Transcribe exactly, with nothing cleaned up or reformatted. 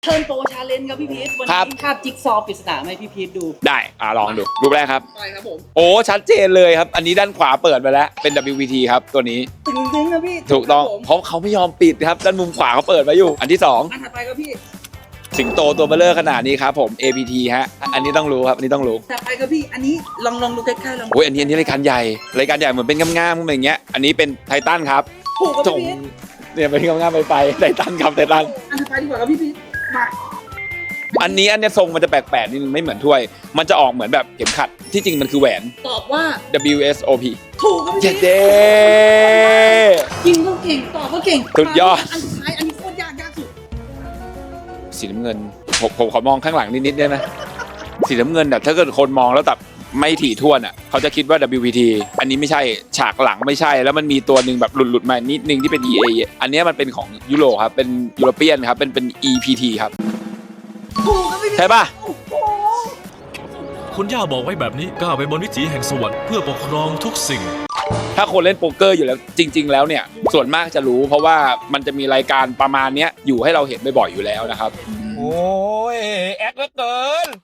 เทิร์นโปรชาเลนจ์ครับพี่พีทวันครับนี้คาบจิ๊กซอว์ปริศนาไหมพี่พีทดูได้อ่าลองดูรูปแรกครับไปครับผมโอ้ชัดเจนเลยครับอันนี้ด้านขวาเปิดไปแล้วเป็น ดับเบิลยู พี ที ครับตัวนี้ตึงตึงครับพี่ถูกต้องครับผมเพราะเขาไม่ยอมปิดครับด้านมุมขวาเขาเปิดไว้อยู่อันที่สองอันถัดไปครับพี่สิงโตตัวเบลเลอร์ขนาดนี้ครับผม เอ พี ที ฮะอันนี้ต้องรู้ครับอันนี้ต้องรู้ถัดไปครับพี่อันนี้ลองลองดูใกล้ๆลองโอ้ยอันนี้อันนี้รายการใหญ่รายการใหญ่เหมือนเป็นง่ามๆอะไรอย่างเงี้ยอันนี้เป็นไททันครับถูกครับจพี่งพีทเนี่ยเป็นง่ามๆไปไปไททันครับไททันอันถัดไปดีกว่าครับพี่พีทมาอันนี้อันเนี้ยทรงมันจะแปลกๆนิดนึงไม่เหมือนถ้วย มันจะออกเหมือนแบบเข็มขัดที่จริงมันคือแหวนตอบว่าดับเบิลยู เอส โอ พีถูกครับพี่เจ็ดพีทเด้ยิงก็เก่งตอบก็เก่งสุดยอดอันสุดท้ายอันนี้โคตรยากยากสุดสีน้ำเงินผมผมขอมองข้างหลังนิดๆได้ไหมสีน้ำเงินแบบถ้าเกิดคนมองแล้วแบบไม่ถี่ถ้วนอ่ะเขาจะคิดว่า ดับเบิลยู พี ที อันนี้ไม่ใช่ฉากหลังไม่ใช่แล้วมันมีตัวหนึ่งแบบหลุดๆมานิดนึงที่เป็น อี เอ อันเนี้ยมันเป็นของยุโรปครับเป็นยุโรเปียนครับเป็นเป็น อี พี ที ครับถูกครับพี่พีทใช่ป่ะโอ้โหคุณย่าบอกไว้แบบนี้ก้าวไปบนวิถีแห่งสวรรค์เพื่อปกครองทุกสิ่งถ้าคนเล่นโป๊กเกอร์อยู่แล้วจริง ๆ แล้วเนี่ยส่วนมากจะรู้ เพราะว่ามันจะมีรายการประมาณเนี้ยอยู่ให้เราเห็นบ่อยๆอยู่แล้วนะครับโอ้ย แอคเหลือเกิน